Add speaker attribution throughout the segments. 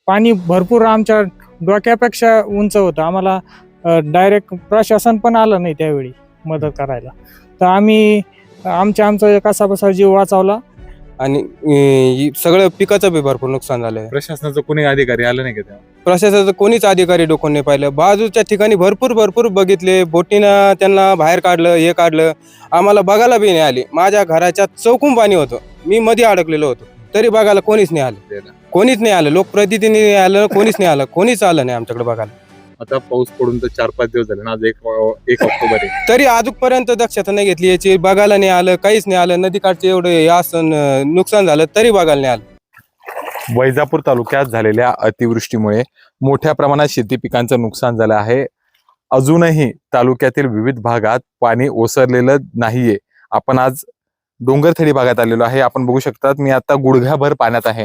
Speaker 1: पाणी भरपूर आमच्या डोक्यापेक्षा उंच होतं. आम्हाला डायरेक्ट प्रशासन पण आलं नाही त्यावेळी मदत करायला. तर आम्ही आमचा कसाबसा जीव वाचवला.
Speaker 2: आणि सगळं पिकाचं बी भरपूर नुकसान झालंय.
Speaker 3: प्रशासनाचं कोणी अधिकारी आलं नाही का तेव्हा?
Speaker 2: प्रशासनाचं कोणीच अधिकारी डोकून नाही पाहिलं. बाजूच्या ठिकाणी भरपूर बघितले, बोटीनं त्यांना बाहेर काढलं, हे काढलं, आम्हाला बघायला बी नाही आली. माझ्या घराच्या चौकून पाणी होतं, मी मध्ये अडकलेलो होतो, तरी बघायला कोणीच नाही आलं. कोणीच नाही आलं, लोकप्रतिनिधी आलं, कोणीच नाही आलं, कोणीच आलं नाही आमच्याकडे बघायला.
Speaker 3: आता पाऊस पडून तर 4-5 दिवस झाले ना, आज 1 ऑक्टोबर आहे.
Speaker 2: तरी अजूनपर्यंत दक्षता नाही घेतली याची, बघायला नाही आलं, काहीच नाही आलं. नदीकाठचे एवढे असं नुकसान झालं तरी बघायला नाही आलं.
Speaker 3: वैजापूर तालुक्यात झालेल्या अतिवृष्टीमुळे मोठ्या प्रमाणात शेती पिकांचं नुकसान झालं आहे. अजूनही तालुक्यातील विविध भागात पाणी ओसरलेलं नाहीये. आपण आज डोंगरथडी भागात आलेलो आहे. आपण बघू शकतात, मी आता गुडघ्याभर पाण्यात आहे.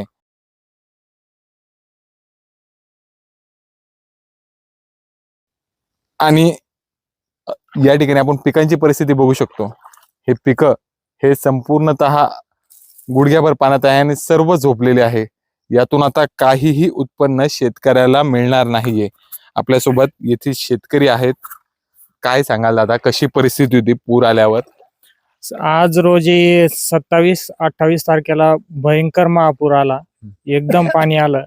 Speaker 3: आणि या ठिकाणी आपण पिकांची परिस्थिती बघू शकतो. हे पिकं हे संपूर्णतः गुडघ्याभर पाण्यात आहे आणि सर्व झोपलेले आहे. यातून आता काहीही उत्पन्न शेतकऱ्याला मिळणार नाहीये. आपल्यासोबत येथील शेतकरी आहेत. काय सांगाल दादा, कशी परिस्थिती होती पूर आल्यावर?
Speaker 1: आज रोजी 27-28 तारखेला भयंकर महापूर आला. एकदम पाणी आलं.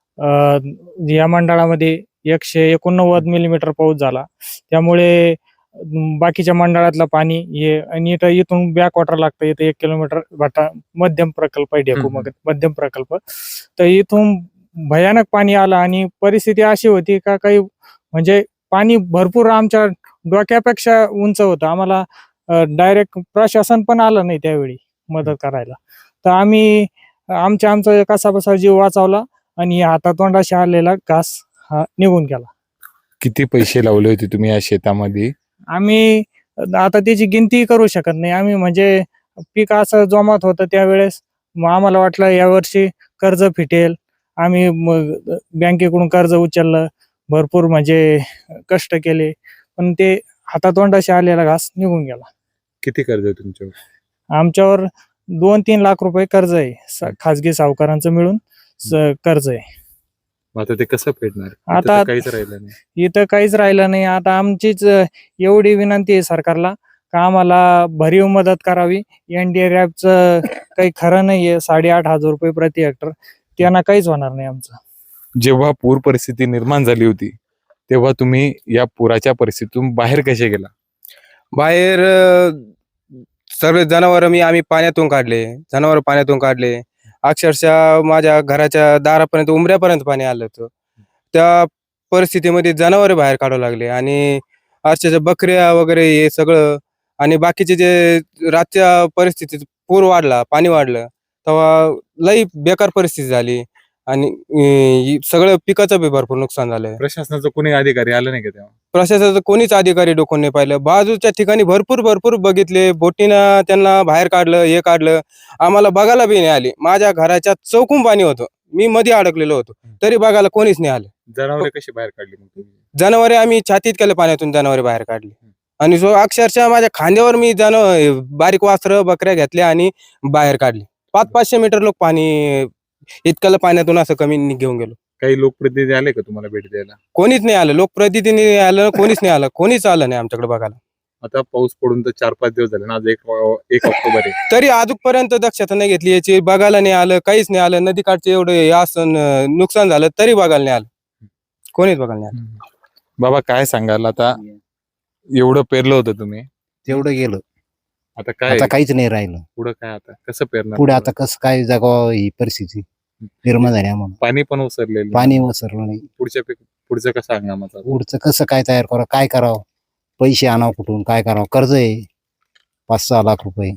Speaker 1: या मंडळामध्ये 189 मिलीमीटर पाऊस झाला. त्यामुळे बाकीच्या मंडळातलं पाणी हे आणि इथून बॅक वॉटर लागतं. इथं 1 किलोमीटर भाटा मध्यम प्रकल्प आहे, ढेकू मध्यम प्रकल्प. तर इथून भयानक पाणी आलं आणि परिस्थिती अशी होती का काही म्हणजे पाणी भरपूर आमच्या डोक्यापेक्षा उंच होतं. आम्हाला डायरेक्ट प्रशासन पण आलं नाही त्यावेळी मदत करायला. तर आम्ही आमचा कसाबसा जीव वाचवला आणि हातातोंडाशी आलेला घास हा निघून गेला.
Speaker 3: किती पैसे लावले होते तुम्ही या शेतामध्ये?
Speaker 1: आम्ही आता त्याची गिनती करू शकत नाही. आम्ही म्हणजे पीक असं जोमात होतं त्यावेळेस, मग आम्हाला वाटलं यावर्षी कर्ज फिटेल. आम्ही मग बँकेकडून कर्ज उचललं, भरपूर म्हणजे कष्ट केले, पण ते हातातोंडाशी आलेला घास निघून गेला.
Speaker 3: किती कर्ज आहे तुमच्यावर?
Speaker 1: आमच्यावर 2-3 लाख रुपये कर्ज आहे, खाजगी सावकारांचं मिळून कर्ज आहे.
Speaker 3: आता ते कसं फेडणार?
Speaker 1: आता
Speaker 3: काहीच राहिलं नाही.
Speaker 1: इथं काहीच राहिलं नाही. आता आमचीच एवढी विनंती आहे सरकारला का आम्हाला भरीव मदत करावी. NDRFचं काही खरं नाहीये, 8,500 रुपये प्रति हेक्टर, त्यांना काहीच होणार नाही आमचं.
Speaker 3: जेव्हा पूर परिस्थिती निर्माण झाली होती तेव्हा तुम्ही या पुराच्या परिस्थितीतून बाहेर कसे गेला?
Speaker 2: बाहेर सर्व जनावर आम्ही पाण्यातून काढले. अक्षरशः माझ्या घराच्या दारापर्यंत, उंबऱ्यापर्यंत पाणी आलं होतं. त्या परिस्थितीमध्ये जनावर बाहेर काढावं लागले आणि अक्षरशः बकऱ्या वगैरे हे सगळं. आणि बाकीचे जे रातच्या परिस्थितीत पाणी वाढलं तेव्हा लई बेकार परिस्थिती झाली आणि सगळं पिकाचं बी भरपूर नुकसान झालंय.
Speaker 3: प्रशासनाचं कोणी अधिकारी आलं नाही का तेव्हा?
Speaker 2: प्रशासनाचं कोणीच अधिकारी डोकून नाही पाहिलं. बाजूच्या ठिकाणी भरपूर बघितले, बोटीनं त्यांना बाहेर काढलं, हे काढलं, आम्हाला बघायला बी नाही आली. माझ्या घराच्या चौकून पाणी होतं, मी मध्ये अडकलेलो होतो, तरी बघायला कोणीच नाही आलं.
Speaker 3: जनावरे कशी बाहेर काढली मग तुम्ही?
Speaker 2: जनावरे आम्ही छातीत केलं पाण्यातून, जनावरे बाहेर काढली. आणि अक्षरशः माझ्या खांद्यावर मी बारीक वासरं बकऱ्या घेतल्या आणि बाहेर काढली. 500-500 मीटर लोक पाणी, इतक्याला पाण्यातून असं कमी घेऊन गेलो.
Speaker 3: काही लोकप्रतिनिधी आले का तुम्हाला भेट द्यायला?
Speaker 2: कोणीच नाही आलं, लोकप्रतिनिधी आलं, कोणीच आलं नाही आमच्याकडे बघायला.
Speaker 3: आता पाऊस पडून तर 4-5 दिवस झाले ना, आज 1 ऑक्टोबर आहे.
Speaker 2: तरी अजूनपर्यंत दक्षता नाही घेतली याची, बघायला नाही आलं, काहीच नाही आलं. नदीकाठचे एवढे असं नुकसान झालं तरी बघायला नाही आलं, कोणीच बघायला नाही आलं.
Speaker 3: बाबा काय सांगाल, आता एवढं पेरलं होतं तुम्ही,
Speaker 4: तेवढं गेलं,
Speaker 3: आता काय?
Speaker 4: आता काहीच नाही राहिलं.
Speaker 3: पुढं काय, आता कसं पेरणार?
Speaker 4: पुढे आता कसं काय जगावं, ही परिस्थिती निर्माण झाली आम्हाला.
Speaker 3: पाणी पण ओसरलेलं,
Speaker 4: पाणी वसरलं नाही.
Speaker 3: पुढचं कसं हंगामाचं?
Speaker 4: पुढचं कसं काय तयार करावं, काय करावं, पैसे आणावं कुठून, काय करावं, कर्ज आहे 5-6 लाख रुपये,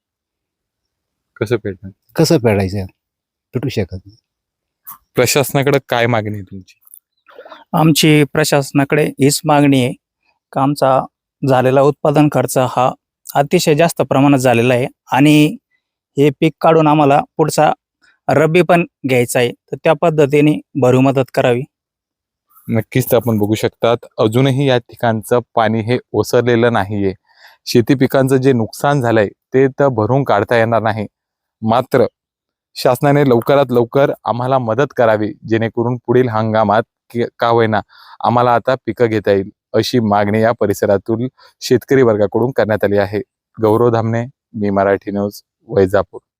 Speaker 3: कसं फेडणार?
Speaker 4: कसं फेडायचं, भेटू शकत नाही.
Speaker 3: प्रशासनाकडे काय मागणी आहे तुमची?
Speaker 5: आमची प्रशासनाकडे हीच मागणी आहे का आमचा झालेला उत्पादन खर्च हा अतिशय जास्त प्रमाणात झालेला आहे आणि हे पीक काढून आम्हाला पुढचा रब्बी पण घ्यायचा आहे, तर त्या पद्धतीने भरीव मदत करावी.
Speaker 3: नक्कीच आपण बघू शकतात, अजूनही या ठिकाणचं पाणी हे ओसरलेलं नाहीये. शेती पिकांचं जे नुकसान झालंय ते तर भरून काढता येणार नाही. मात्र शासनाने लवकरात लवकर आम्हाला मदत करावी, जेणेकरून पुढील हंगामात का होईना आम्हाला आता पिकं घेता येईल, अशी मागणी या परिसरातील शेतकरी वर्गाकडून करण्यात आली आहे. गौरव धामणे, मी मराठी न्यूज, वैजापूर.